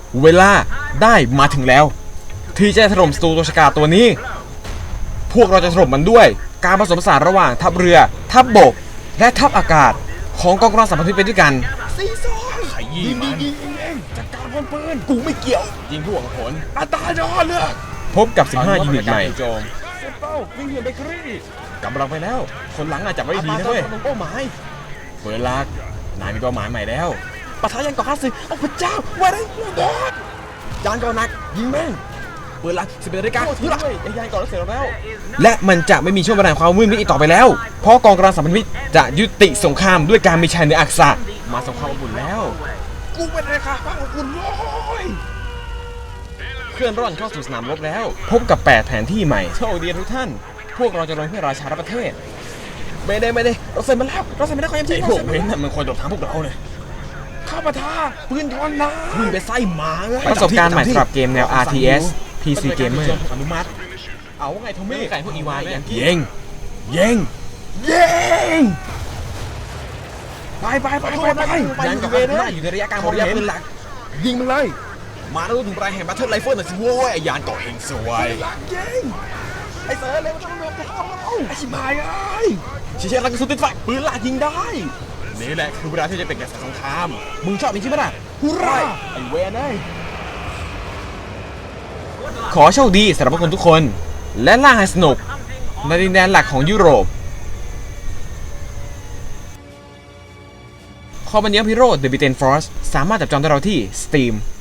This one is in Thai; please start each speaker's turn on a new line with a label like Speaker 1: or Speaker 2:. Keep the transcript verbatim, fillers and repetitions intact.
Speaker 1: เวลาได้มาถึงแล้วที่จะถล่มศัตรูตัวฉกาจตัวนี้พวกเราจะถล่มมันด้วยการผสมผสานระหว่างทัพเรือทัพบกและทัพอากาศของกองกำลังสัมพันธ์ไปด้วยกัน
Speaker 2: ซีซอนขยี้มันยิงยิงเองจัดการพลปืนกูไม่เกี่ยวยิงผู้หวังผลอัตราดอเลือก
Speaker 1: พบกับสิบห้ายูนิตใหม่
Speaker 2: โจมเซเป้าวิ่งเหี่ยนเบเกอรี่
Speaker 1: กำลังไปแล้วคนหลังอาจจะไม่ดีนะเว้ย
Speaker 2: เป้าหมาย
Speaker 1: เปิดลักนายมีเป้าหมายใหม่แล้ว
Speaker 2: ปะทะยันก่อข้าศึกโอ้พระเจ้าว่าได้บอสยานก่อนักยิงแม่งเปิดลักสิบเอ็ดนาฬิกาเฮ้ยไอ้ยานก่อแล้วเสร็จแล้ว
Speaker 1: และมันจะไม่มีช่วงเวลาความมืดมิดอีกต่อไปแล้วเพราะกองกำลังสัมพันธมิตรจะยุติสงครามด้วยการมีชัยเหนืออักษะมาสงครามอบอุ่นแล้ว
Speaker 2: กูเป็นอะไรคะฟังอบอุ่นโว้ย
Speaker 1: เคลื่อนร่อนเข้าสู่สนามรบแล้วพบกับแปดแผนที่ใหม่โชคดีทุกท่านพวกเราจะลงเพื่อราชาและประเทศ
Speaker 2: ไม่ได้ไม่ได้เราเซ็นมาแล้วเราเซ็นมาแล้วเขายังทิ้ง
Speaker 1: พวกเว้นน่ะมันควรโดดทางพวกเราเลย
Speaker 2: ข้าปะทะปืนทอนนะ
Speaker 1: มึงไปไส้หมาเลยประสบการณ์ใหม่สำหรับเกมแนว อาร์ ที เอส พี ซี Gamer
Speaker 2: อนุมัติ
Speaker 1: เอาไงทอมมี่ไก่พวกอีวานเลย
Speaker 2: เย่งเย่งเย่งไปไปไปไป
Speaker 1: ไปยันกับหน้าอยู่ในระยะกลางระยะปืนหลัก
Speaker 2: ยิงมันเลย
Speaker 1: มาแล้วถึงปลายแห่งบัตเทิลไรเฟิลหน่อยสิโว้ยไอ้ยานเกาะเฮงสวย
Speaker 2: ยิงไอ้เสือเลยมันต้องเรือไอ้ชิบหายไอ้
Speaker 1: ชิเชลักกระสุนติดไฟปืนหลักยิงได้นี่แหละคือเวลาที่จะเป็นแก่สงครามมึงชอบนี่ใช่ไหมล่ะ
Speaker 2: ฮูร่าไอ้เวนไอ้
Speaker 1: ขอโชคดีสำหรับทุกคนทุกคนและล่าให้สนุกในดินแดนหลักของยุโรปคอมบันเนียพิโรด The Britain Force สามารถจับจองได้เราที่ Steam